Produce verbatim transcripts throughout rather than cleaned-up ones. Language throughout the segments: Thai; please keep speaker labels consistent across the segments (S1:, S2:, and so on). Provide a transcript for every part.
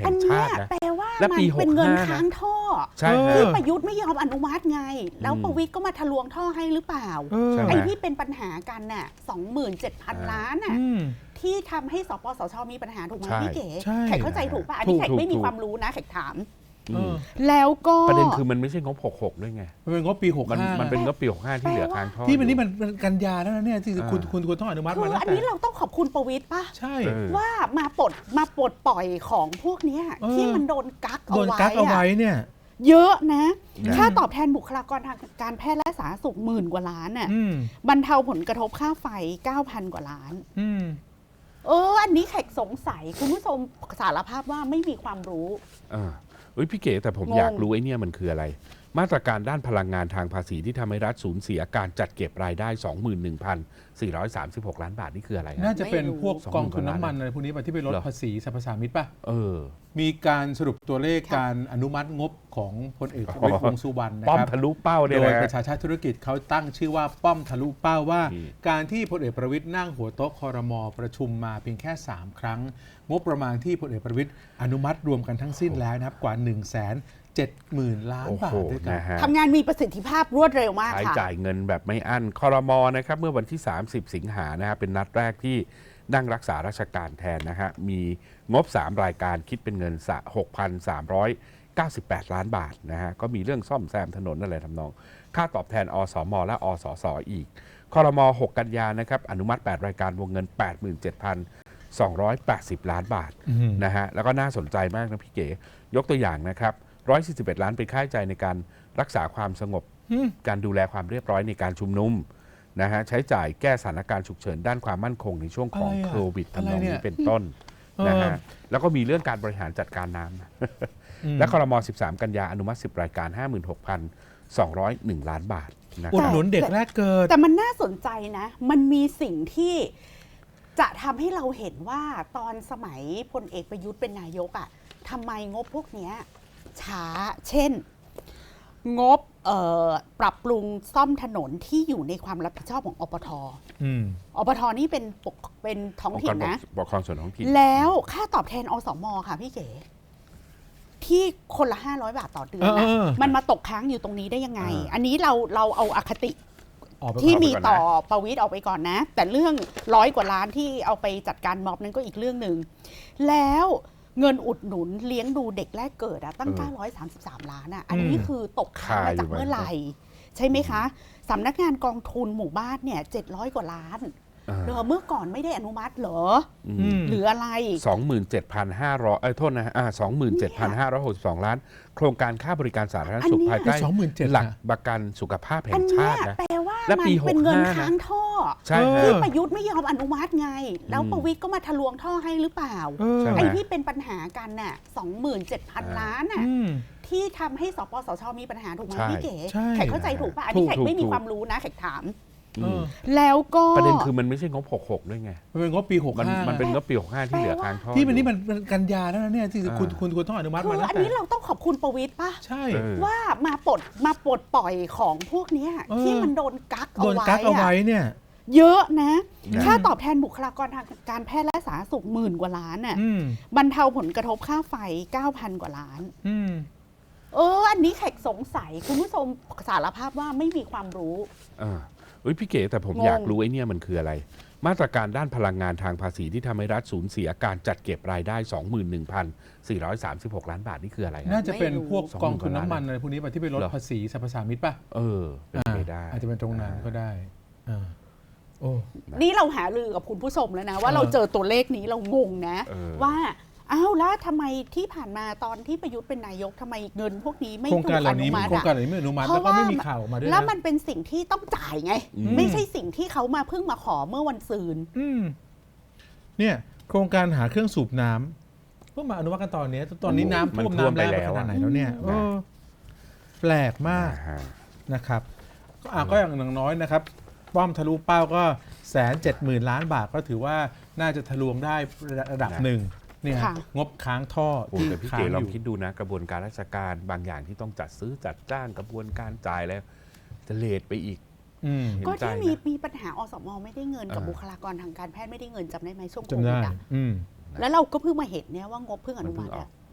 S1: แห่งชาตินะ
S2: แปลว่า
S1: และ
S2: มัน
S1: ปี
S2: เป็นเงิน
S1: หกสิบห้า
S2: ค้างท่อ
S1: ใช่
S2: ที่ประยุทธ์ไม่ยอมอนุมัติไงแล้วประวิตรก็มาทะลวงท่อให้หรือเปล่าไอ้ที่เป็นปัญหากันน่ะ สองหมื่นเจ็ดพัน ล้านน่ะที่ทำให้สปสช.มีปัญหาถูกไหมพี่เก๋แขกเข้าใจถูกป่ะอันนี้แขกไม่มีความรู้นะแขกถามแล้วก็
S1: ประเด็นคือมันไม่ใช่งบหกสิบหกด้วยไง
S3: มันเป็นงบปีหกสิบห้า
S1: มันเป็นงบปีหกสิบห้าที่เหลือค้างท่อ
S3: ที่มันนี่มันกันยาแล้วนะเนี่ยที่คุณคุณควรต้องอนุมัติมา
S2: คืออันนี้เราต้องขอบคุณประวิตรป่ะ
S3: ใช่
S2: ว่ามาปลดมาปลดปล่อยของพวกนี้ที่มันโดนกักเอาไว้
S3: โดนกักเอาไว้เนี่ย
S2: เยอะนะค่าตอบแทนบุคลากรทางการแพทย์และสาธารณสุขหมื่นกว่าล้านน่ะบรรเทาผลกระทบค่าไฟ เก้าพัน กว่าล้านเอออันนี้แขกสงสัยคุณผู้ชมสารภาพว่าไม่มีความรู้
S1: อ่าเฮ้ยพี่เก๋แต่ผมอยากรู้ไอ้นี่มันคืออะไรมาตรการด้านพลังงานทางภาษีที่ทำให้รัฐสูญเสียการจัดเก็บรายได้ สองหมื่นหนึ่งพันสี่ร้อยสามสิบหก ล้านบาทนี่คืออะไร
S3: น่าจะเป็นพวกกองทุนน้ำมันอะไรพวกนี้ป่ะที่ไปลดภาษีสรรพสามิตป่ะ
S1: เออ
S3: มีการสรุปตัวเลขการอนุมัติงบของพลเอกประวิตรวงษ์สุวรรณนะครับ
S1: ป้อมทะลุเป้าโ
S3: ดยประชาชาติธุรกิจเขาตั้งชื่อว่าป้อมทะลุเป้าว่าการที่พลเอกประวิตรนั่งหัวโต๊ะครม.ประชุมมาเพียงแค่สามครั้งงบประมาณที่พลเอกประวิตรอนุมัติรวมกันทั้งสิ้นแล้วนะครับกว่า หนึ่งแสนเจ็ดหมื่น ล้านบาทด้วยกัน
S2: ทำงานมีประสิทธิภาพรวดเร็วมาก
S1: ค่ะใช้จ่ายเงินแบบไม่อั้นครม.นะครับเมื่อวันที่สามสิบสิงหานะฮะเป็นนัดแรกที่นั่งรักษาราชการแทนนะฮะมีงบสามรายการคิดเป็นเงิน หกพันสามร้อยเก้าสิบแปด ล้านบาทนะฮะก็มีเรื่องซ่อมแซมถนนอะไรทำนองค่าตอบแทนอสม.และอสส.อีกครม. หกกันยานะครับอนุมัติแปดรายการวงเงิน แปดหมื่นเจ็ดพันสองร้อยแปดสิบ ล้านบาทนะฮะแล้วก็น่าสนใจมากนะพี่เก๋ยกตัวอย่างนะครับหนึ่งร้อยสี่สิบเอ็ด ล้านเป็นค่าใช้จ่ายในการรักษาความสงบการดูแลความเรียบร้อยในการชุมนุมนะฮะใช้จ่ายแก้สถานการณ์ฉุกเฉินด้านความมั่นคงในช่วงของโควิดทำนองนี้เป็นต้นนะฮะแล้วก็มีเรื่องการบริหารจัดการน้ำและครม. สิบสามกันยาอนุมัติสิบรายการ ห้าหมื่นหกพันสองร้อยเอ็ด ล้านบาท
S3: อุดหนุนเด็กแรกเกิด
S2: แต่มันน่าสนใจนะมันมีสิ่งที่จะทำให้เราเห็นว่าตอนสมัยพลเอกประยุทธ์เป็นนายกอ่ะทำไมงบพวกนี้ช้าเช่นงบปรับปรุงซ่อมถนนที่อยู่ในความรับผิดชอบของอปท.อปท.นี่เป็นเป็นท้องถิ่นนะ
S1: ปกครองส่วนท้องถิ่น
S2: แล้วค่าตอบแทนอสม.ค่ะพี่เก๋ที่คนละห้าร้อยบาทต่อเดือนนะมันมาตกค้างอยู่ตรงนี้ได้ยังไงอันนี้เราเราเอาอคติที่มีต่อประวิตรออกไปก่อนนะแต่เรื่องร้อยกว่าล้านที่เอาไปจัดการม็อบนั้นก็อีกเรื่องหนึ่งแล้วเงินอุดหนุนเลี้ยงดูเด็กแรกเกิดอะตั้งเก้าร้อยสามสิบสามล้านอะอันนี้คือตกค้างมาจากเมื่อไหร่ใช่ไหมคะสำนักงานกองทุนหมู่บ้านเนี่ยเจ็ดร้อยกว่าล้านเดี๋ยวเมื่อก่อนไม่ได้อนุมัติเหรอหรืออะไร
S1: สองหมื่นเจ็ดพันห้าร้อย เอ้ยโทษนะอ่า สองหมื่นเจ็ดพันห้าร้อยหกสิบสอง ล้านโครงการค่าบริการสาธารณสุขภายใต้หลักประกันสุขภาพแห่งชาตินะ
S2: แปลว่ามันเป็นเงินค้างท่อที่ประยุทธ์ไม่ยอมอนุมัติไงแล้วประวิตรก็มาทะลวงท่อให้หรือเปล่าไอ้ที่เป็นปัญหากันน่ะ สองหมื่นเจ็ดพัน ล้านน่ะที่ทำให้สปสช.มีปัญหาถูกไหมพี่เก๋แขกเข้าใจถูกป่ะอันนี้แขกไม่มีความรู้นะแขกถามแล้วก็
S1: ประเด็นคือมันไม่ใช่งบหกสิบหกด้วยไง
S3: มันเป็นงบปีหกสิบห้า
S1: มันเป็นงบปีหกสิบห้าที่เหลือค้างท่อ
S3: ที่มันนี่มันกันยาแล้วนะเนี่ยที่คุณคุณควรต้องอนุมัติมา
S2: แล้วอันนี้เราต้องขอบคุณประวิตรป่ะ
S3: ใช่
S2: ว่ามาปลดมาปลดปล่อยของพวกนี้ที่มันโดนกักเอาไว้
S3: โดนกักเอาไว้เนี่ย
S2: เยอะนะค่าตอบแทนบุคลากรทางการแพทย์และสาธารณสุขหมื่นกว่าล้านน่ะบรรเทาผลกระทบค่าไฟ เก้าพัน กว่าล้านเอออันนี้แขกสงสัยคุณผู้ชมสารภาพว่าไม่มีความรู้
S1: เฮ้ยพี่เก๋แต่ผมอยากรู้ไอ้นี่มันคืออะไรมาตรการด้านพลังงานทางภาษีที่ทำให้รัฐสูญเสียการจัดเก็บรายได้ สองหมื่นหนึ่งพันสี่ร้อยสามสิบหก ล้านบาทนี่คืออะไร
S3: น่าจะเป็นพวกกองทุนน้ำมันอะไรพวกนี้ป่ะที่ไปลดภาษีสรรพสามิตป่ะ
S1: เออเป็นไปได้
S3: อาจจะเป็นตรงนั้นก็ได้
S2: โอ้นี่เราหารือกับคุณผู้ชมแล้วนะว่าเราเจอตัวเลขนี้เรางงนะว่าอ้าวแล้วทำไมที่ผ่านมาตอนที่ประยุทธ์เป็นนายกทำไมเงินพวกนี้ไม่ถูกอนุมัติ
S3: โครงการเหล่านี้ไม่อนุมัติแล้วก็ไม่มีข่าวมาด้วย
S2: แล้วมันเป็นสิ่งที่ต้องจ่ายไงไม่ใช่สิ่งที่เขามาเพิ่งมาขอเมื่อวันซืน
S3: เนี่ยโครงการหาเครื่องสูบน้ำเพิ่งมาอนุมัติกันตอนนี้ตอนนี้น้ำท่วมน้ำแรงไปขนาดไหนแล้วเนี่ยแปลกมากนะครับก็อย่างน้อยนะครับป้อมทะลุเป้าก็แสนเจ็ดหมื่นล้านบาทก็ถือว่าน่าจะทะลวงได้ระดับหนึ่งเนี่ยงบค้างท่อ
S1: ที่พี่เก๋ลองคิดดูนะกระบวนการราชการบางอย่างที่ต้องจัดซื้อจัดจ้างกระบวนการจ่ายแล้วจะเลทไปอีก
S2: ก็ที่มีมีปัญหาอสม.ไม่ได้เงินกับบุคลากรทางการแพทย์ไม่ได้เงินจำได้ไหมช่วงโควิดอ่ะแล้วเราก็เพิ่งมาเห็นเนี่ยว่างบเพิ่งอนุมัติอ่ะ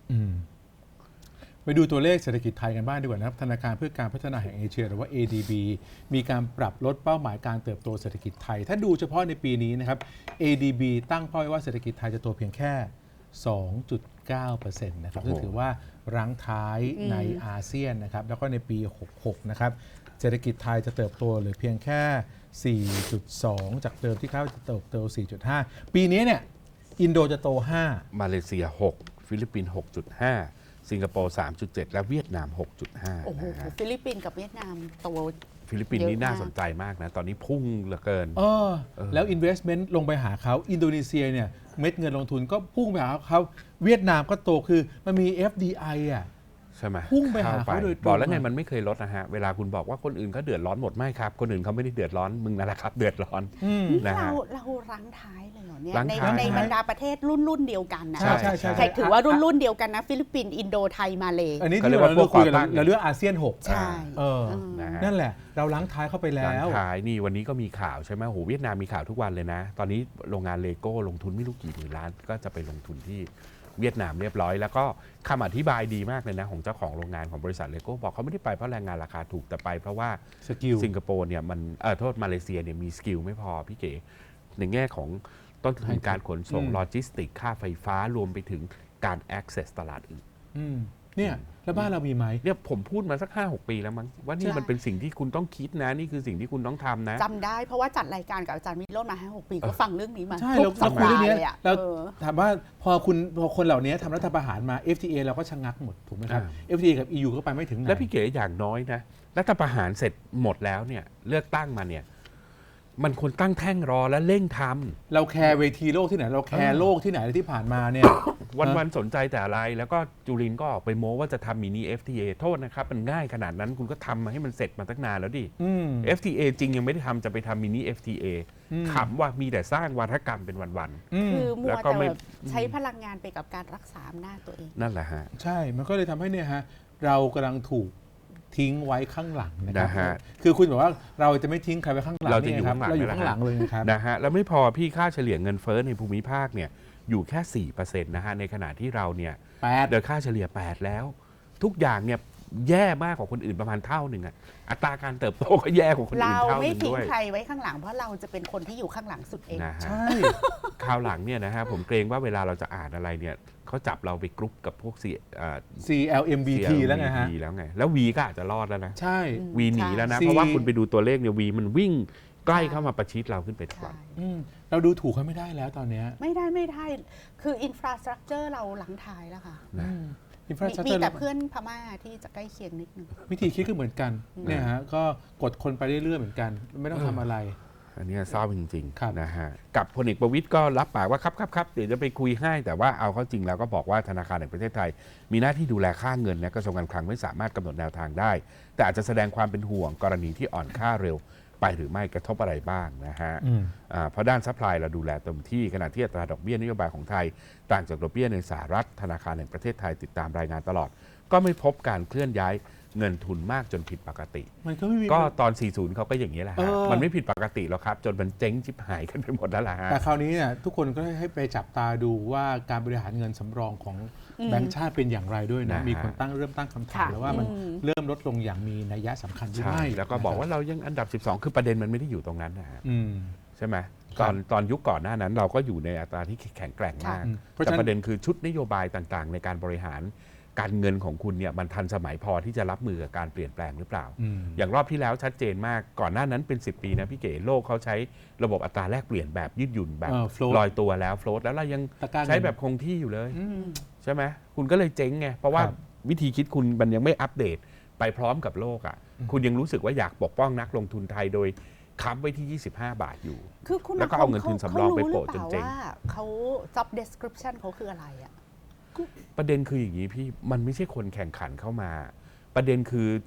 S3: อืมไปดูตัวเลขเศรษฐกิจไทยกันบ้างดีกว่านะครับธนาคารเพื่อการพัฒนาแห่งเอเชียหรือว่า เอ ดี บี มีการปรับลดเป้าหมายการเติบโตเศรษฐกิจไทยถ้าดูเฉพาะในปีนี้นะครับ เอ ดี บี ตั้งเป้าไว้ว่าเศรษฐกิจไทยจะโตเพียงแค่ สองจุดเก้าเปอร์เซ็นต์ นะครับซึ่งถือว่ารั้งท้ายในอาเซียนนะครับแล้วก็ในปีหกสิบหกนะครับเศรษฐกิจไทยจะเติบโตเหลือเพียงแค่ สี่จุดสอง จากเดิมที่คาดว่าจะเติบโต สี่จุดห้า ปีนี้เนี่ยอินโดจะโต ห้า
S1: มาเลเซียหกฟิลิปปินส์หกจุดห้าสิงคโปร์ สามจุดเจ็ด และเวียดนาม หกจุดห้า
S2: โอ้โห
S1: นะฮะ
S2: ฟิลิปปินส์กับเวียดนามโต
S1: ฟิลิปปินส์นี่
S2: เยอะมาก
S1: น่าสนใจมากนะ ตอนนี้พุ่งเหลือเกิน
S3: เออแล้ว investment ลงไปหาเขาอินโดนีเซียเนี่ยเม็ดเงินลงทุนก็พุ่งไปหาเขาเวียดนามก็โตคือมันมี เอฟ ดี ไอ อ่ะ
S1: ใช่ไหม
S3: พุ่งไปหาเขาโดยตรง
S1: บอกแล้วไงมันไม่เคยลดนะฮะ เวลาคุณบอกว่าคนอื่นเขาเดือดร้อนหมดไม่ครับ คนอื่นเขาไม่ได้เดือดร้อนมึงนั่นแหละครับเดือดร้อน
S2: นี่
S1: นะ
S2: เรา
S1: ฮะ
S2: เรารั้งท้ายเลยเหรอเนี่ย
S1: รั้ง
S2: ใน
S1: ท้าย
S2: ในบรรดาประเทศรุ่นรุ่นเดียวกันนะ
S3: ใช่ใช่ใช่
S2: ใครถือว่ารุ่นรุ่นเดียวกันนะฟิลิปปินส์อินโดไทยมาเล
S3: อันนี้
S1: เขา
S3: ที่
S1: เรียก
S3: เรา
S1: ว่าพวก
S3: คุยกัน
S1: ก่อตั้ง
S3: เราเรื่องอาเซียนหก
S2: ใช่
S3: เออ
S2: อืม
S1: นะฮะ
S3: นั่นแหละ เราล้างท้ายเข้าไปแล้
S1: หลัง
S3: ว
S1: ท้ายนี่วันนี้ก็มีข่าวใช่ไหมโหเวียดนามมีข่าวทุกวันเลยนะ ตอนนี้โรงงานเลโก้ลงทุนไม่รู้กี่หมื่นล้าน ก็จะไปลงทุนที่เวียดนามเรียบร้อย แล้วก็คำอธิบายดีมากเลยนะของเจ้าของโรงงานของบริษัทเลโก้บอกเขาไม่ได้ไปเพราะแรงงานราคาถูกแต่ไปเพราะว่า
S3: สกิล
S1: สิงคโปร์เนี่ยมันเออโทษมาเลเซียเนี่ยมีสกิลไม่พอพี่เก๋ในแง่ของต้นทุนการขนส่ง
S3: อืม
S1: โลจิสติกค่าไฟฟ้ารวมไปถึงการ access ตลาดอื่น
S3: อืมเนี่ยแล้วบ้านเรามีไหม
S1: เนี่ยผมพูดมาสัก ห้าหก ปีแล้วมั้งว่านี่
S2: ใช่
S1: มันเป็นสิ่งที่คุณต้องคิดนะนี่คือสิ่งที่คุณต้องทำนะ
S2: จำได้เพราะว่าจัดรายการกับอาจารย์วิโรจน์มาห้าหกปีก็ฟังเรื่องนี้มา
S3: ใช่
S2: ทุ
S3: เรา
S2: กสั
S3: เรา
S2: ป
S3: คุย
S2: ดา
S3: เรื่อง
S2: ห์
S3: นี้
S2: เลยอ่ะ
S3: เรา
S2: เออ
S3: ถามว่าพอคุณพอคนเหล่านี้ทำรัฐประหารมา เอฟ ที เอ เราก็ชะงักหมดถูกไหมครับ
S1: อ่า
S3: เอฟ ที เอ กับ อี ยู ก็ไปไม่ถึงไหน
S1: และพี่เก๋อย่างน้อยนะรัฐประหารเสร็จหมดแล้วเนี่ยเลือกตั้งมาเนี่ยมันควรตั้งแท่งรอและเร่งทำ
S3: เราแคร์เวทีโลกที่ไหน เราแคร์โลกที่ไหนที่ผ่านมาเนี่ย
S1: วันๆสนใจแต่อะไร แล้วก็จุลินก็ออกไปโม้ว่าจะทำมินิ เอฟ ที เอ โทษนะครับ มันง่ายขนาดนั้นคุณก็ทำมาให้มันเสร็จมาตั้งนานแล้วดิ
S3: อืม
S1: เอฟ ที เอ จริงยังไม่ได้ทำจะไปทำมินิ เอฟ ที เอ
S3: อืม
S1: ขำว่ามีแต่สร้างวาทกรรมเป็นวัน
S3: อืม
S2: คือมั
S1: แล้ว วก็
S2: แต่
S1: ไม่
S2: แบบใช้พลังงานไปกับการรักษาอำนาจตัวเอง
S1: ๆ นั่นแหละฮะ
S3: ใช่ มันก็เลยทำให้เนี่ยฮะเรากำลังถูกทิ้งไว้ข้างหลังนะครั
S1: นะฮะ
S3: คือคุณบอกว่าเราจะไม่ทิ้งใครไว้ข้างหลัง
S1: เราจะอยู่
S3: นี่ไครับ
S1: ข้างหลัง
S3: เราอยู่
S1: นี่แหละ
S3: ข้างหลังเลยนะครับ
S1: นะฮะแล้วไม่พอพี่ค่าเฉลี่ยเงินเฟ้อในภูมิภาคเนี่ยอยู่แค่ สี่เปอร์เซ็นต์ นะฮะในขณะที่เราเนี่ย
S3: แปด
S1: โดยค่าเฉลี่ย แปด แล้ว ทุกอย่างเนี่ยแย่มากกว่าคนอื่นประมาณเท่าหนึ่งอะอัตราการเติบโตก็แย่กว่าคนอื่
S2: เรา
S1: นเท่าห
S2: ไม่
S1: นึ่ง
S2: ทิ้ง
S1: ด้วย
S2: ใครไว้ข้างหลังเพราะเราจะเป็นคนที่อยู่ข้างหลังสุดเอง
S1: นะฮะ
S3: ใช่
S1: คราวหลังเนี่ยนะฮะผมเกรงว่าเวลาเราจะอ่านอะไรเนี่ยเขาจับเราไปกรุ๊ปกับพวก C อ่า
S3: ซี แอล เอ็ม บี ที แล้วไงฮะ
S1: แล้วไงแล้ว V ก็อาจจะรอดแล้วนะ
S3: ใช่
S1: V หนีแล้วนะ
S3: ใช่
S1: เพราะว่าคุณไปดูตัวเลขเนี่ย V มันวิ่งใกล้เข้ามาประชิดเราขึ้นไปทุกวัน
S2: ใช่
S3: อืมเราดูถูกเขาไม่ได้แล้วตอนเนี้ย
S2: ไม่ได้ไม่ได้ คืออินฟราสตรักเจอร์เราหลังท้ายแล้วค่ะ
S1: นะ
S3: อินฟรา
S2: มี
S3: สตรัก
S2: มี
S3: เจอร์
S2: แต่เพื่อนพม่าที่จะใกล้เคียงนิดนึง
S3: วิธีคิดก็เหมือนกันเนี่ยฮะก็กดคนไปเรื่อยๆเหมือนกัน ไม่ต้องทำอะไร
S1: อันนี้เศร้าจริง
S3: ครับ
S1: ๆนะฮะกับพลเอกประวิตยก็รับปากว่าครับครับครับเดี๋ยวจะไปคุยให้แต่ว่าเอาเข้าจริงแล้วก็บอกว่าธนาคารแห่งประเทศไทย มีหน้าที่ดูแลค่าเงินนะกระทรวงการคลังไม่สามารถกำหนดแนวทางได้ แต่อาจจะแสดงความเป็นห่วงกรณีที่อ่อนค่าเร็วไปหรือไม่กระทบอะไรบ้างนะฮะ
S3: อืม
S1: อ่าเพราะด้านซัพพลายเราดูแลเต็มที่ขณะที่อัตราดอกเบี้ยนโยบายของไทย ต่างจากดอกเบี้ยในสหรัฐธนาคารแห่งประเทศไทยติดตามรายงานตลอด ก็ไม่พบการเคลื่อนย้ายเงินทุนมากจนผิดปกติ
S3: มันก็ไม่มี
S1: ก็ตอน สี่สิบ เขาก็อย่างนี้แหละ
S3: เอ
S1: ฮะ
S3: อ
S1: มันไม่ผิดปกติหรอกครับ จนมันเจ๊งชิบหายกันไปหมดแล้วล่ะฮะ
S3: แต่คราวนี้เนี่ยทุกคนก็ให้ไปจับตาดูว่าการบริหารเงินสำรองของ
S2: อืม
S3: แบงก์ชาติเป็นอย่างไรด้วยนะ
S1: นะฮะ
S3: มีคนตั้งเริ่มตั้งคำถาม
S2: ค่ะ
S3: แล้วว่ามัน
S2: อืม
S3: เริ่มลดลงอย่างมีนัยสำคัญหรือ
S1: ใช่
S3: ไม่
S1: แล้วก็บอกว่าเรายังอันดับ สิบสอง คือประเด็นมันไม่ได้อยู่ตรงนั้นนะฮะ
S3: อืม
S1: ใช่ไหม
S3: ครั
S1: ต
S3: บ
S1: อนตอนยุคก่อนหน้านั้น เราก็อยู่ในอัตราที่แข็งแกร่งมาก
S3: อืมเพราะ
S1: แต่
S3: ฉะนั้น
S1: ประเด็นคือชุดนโยบายต่างๆ ในการบริหารการเงินของคุณเนี่ยมันทันสมัยพอที่จะรับมือกับการเปลี่ยนแปลงหรือเปล่า
S3: อืม
S1: อย่างรอบที่แล้วชัดเจนมากก่อนหน้านั้นเป็น สิบ ปีนะพี่เก๋โลกเขาใช้ระบบอัตราแลกเปลี่ยนแบบยืดหยุ่นแบบ
S3: เออ float
S1: ลอยตัวแล้วโฟลตแล้วเรายัง
S3: ตะกร้าเงิน
S1: ใช้แบบคงที่อยู่เลย
S3: อืม
S1: ใช่ไหมคุณก็เลยเจ๊งไงเพราะว่า
S3: ครับ
S1: วิธีคิดคุณมันยังไม่อัปเดตไปพร้อมกับโลกอ่ะคุณยังรู้สึกว่าอยากปกป้องนักลงทุนไทยโดยค้ำไว้ที่ ยี่สิบห้า บาทอยู่
S2: คือคุณ
S1: แล้วก็เอาเงินทุนสำรองไปโปะจนเจ๊ง
S2: ขารู้หรือปล่าว่าเขา job description เขาคืออะไรอ่ะ
S1: ประเด็นคืออย่างนี้พี่มันไม่ใช่คนแข่งขันเข้ามา ประเด็นคือ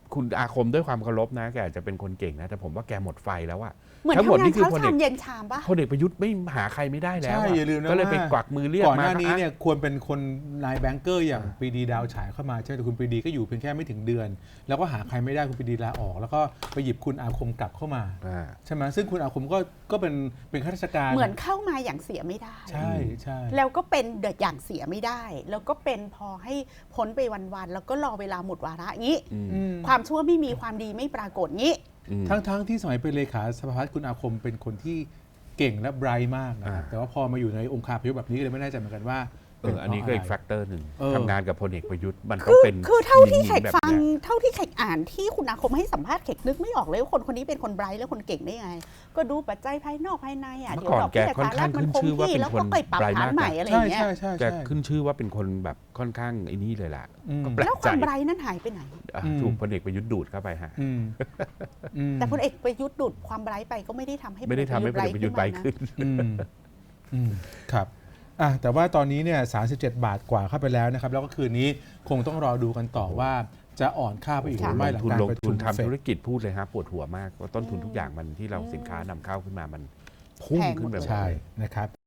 S1: คุณอาคมด้วยความเคารพนะแกอาจจะเป็นคนเก่งนะแต่ผมว่าแกหมดไฟแล้วอะ
S2: เหมือน
S1: ทั้งหมด
S2: ทำงาน
S1: นี่คือ
S2: เช้า
S1: พลเอ
S2: ชาก มเย็นชามปะ
S1: พลเอกประยุทธ์ไม่หาใครไม่ได้แล้ว
S3: ใช่
S1: อะ
S3: อย่าลืมนะ
S1: ก็เลย
S3: ว่า
S1: ไปกวักมือเรียก
S3: ก่อนห
S1: มา
S3: น้านี้
S1: อ่ะ
S3: เนี่ยควรเป็นคนนายแบงเกอร์อย่าง
S1: อ่า
S3: ปรีดีดาวฉายเข้ามาใช่ไหมแต่คุณปรีดีก็อยู่เพียงแค่ไม่ถึงเดือน แล้วก็หาใครไม่ได้คุณปรีดีลาออก แล้วก็ไปหยิบคุณอาคมกลับเข้ามา
S1: อ่า
S3: ใช่ไหมซึ่งคุณอาคมก็ก็เป็นเป็นข้าราชการ
S2: เหมือนเข้ามาอย่างเสียไม่ได้
S3: ใช่ใช่
S2: แล้วก็เป็นเดือดอย่างเสียไม่ได้ แล้วก็เป็นพอให้พ้นไปวันๆแล้วก็รอเวลาหมดวาระงี้
S1: อืม
S3: อืม
S2: ความชั่วไม่มีความดีไม่ปรากฏงี้
S1: อืม
S3: ทั้งทั้งที่สมัยเป็นเลขาสภาพัฒน์คุณอาคมเป็นคนที่เก่งและไบรท์มากนะครับ
S1: อ่า
S3: แต่ว่าพอมาอยู่ในองค์คาพยพแบบนี้ก็เลยไม่แน่ใจเหมือนกันว่า
S1: เอออันนี้ก็อีกแฟกเตอร์หนึ่ง
S3: เออ
S1: ทำงานกับพลเอกประยุทธ์มันต้
S2: คื
S1: อง
S2: อ
S1: เป็น
S2: คือเท่าที่
S1: ห
S2: แข
S1: ญิ
S2: ก
S1: แบบ
S2: ฟัง
S1: เนี้ย
S2: เท่าที่แขกอ่านที่คุณอาคมให้สัมภาษณ์แขกนึกไม่ออกเลยว่าคนคนนี้เป็นคนไบรท์และคนเก่งได้ยังไง ก็ดูปัจจัยภายนอกภายในอ่ะ
S1: เมื่
S2: เดี๋
S1: อ
S2: ยว
S1: ก่อน
S2: ดอกเบี้ย
S1: แกค่อน
S2: สหรั
S1: ข้าง
S2: ฐมันคง
S1: ขึ้นชื่อว่า
S2: ที่
S1: เป็น
S2: แล้ว
S1: คน
S2: ก็ไปปรับ
S1: ไบรท์
S2: ฐาน
S1: มาก
S2: ใหม่อะไรอ
S3: ใช่
S2: ย่างเงี้ย
S3: ใช่ใช่
S1: แก
S3: ใช่
S1: ขึ้นชื่อว่าเป็นคนแบบค่อนข้างไอ้นี่เลยล่ะ
S3: อืม
S1: ก็แปล
S2: แล้ว
S1: ก
S2: ค
S1: ใจ
S2: วามไบรท์นั้นหายไปไหน
S1: อ่ะ
S3: อืม
S1: ถูกพลเอกประยุทธ์ดูดเข้าไปฮะ
S3: อืมอืม
S2: แต่พลเอกประยุทธ์ดูดความไบรท์ไปก็ไม่ได้ทำให้
S1: ไม่ได้ทำให้พลเอกประยุทธ์ไบรท์ขึ้น
S3: อืมอืมครับอ่ะแต่ว่าตอนนี้เนี่ยสามสิบเจ็ดบาทกว่าเข้าไปแล้วนะครับ แล้วก็คืนนี้คงต้องรอดูกันต่อว่าจะอ่อนค่าไปอีกหรือ
S1: ล
S3: ไม่
S1: ง
S3: หลัง
S1: ทุน
S3: การ
S1: ลง
S3: ประ
S1: ทุ
S3: ชุ
S1: น
S3: ม
S1: ทำ
S3: เฟ
S1: ธุร
S3: ด
S1: กิจพูดเลยฮะปวดหัวมากว่าต้นทุนทุกอย่างมันที่เราสินค้านำเข้าขึ้นมามันพุ่งขึ้นไปหมด
S3: ใช่
S1: เลย
S3: นะครับ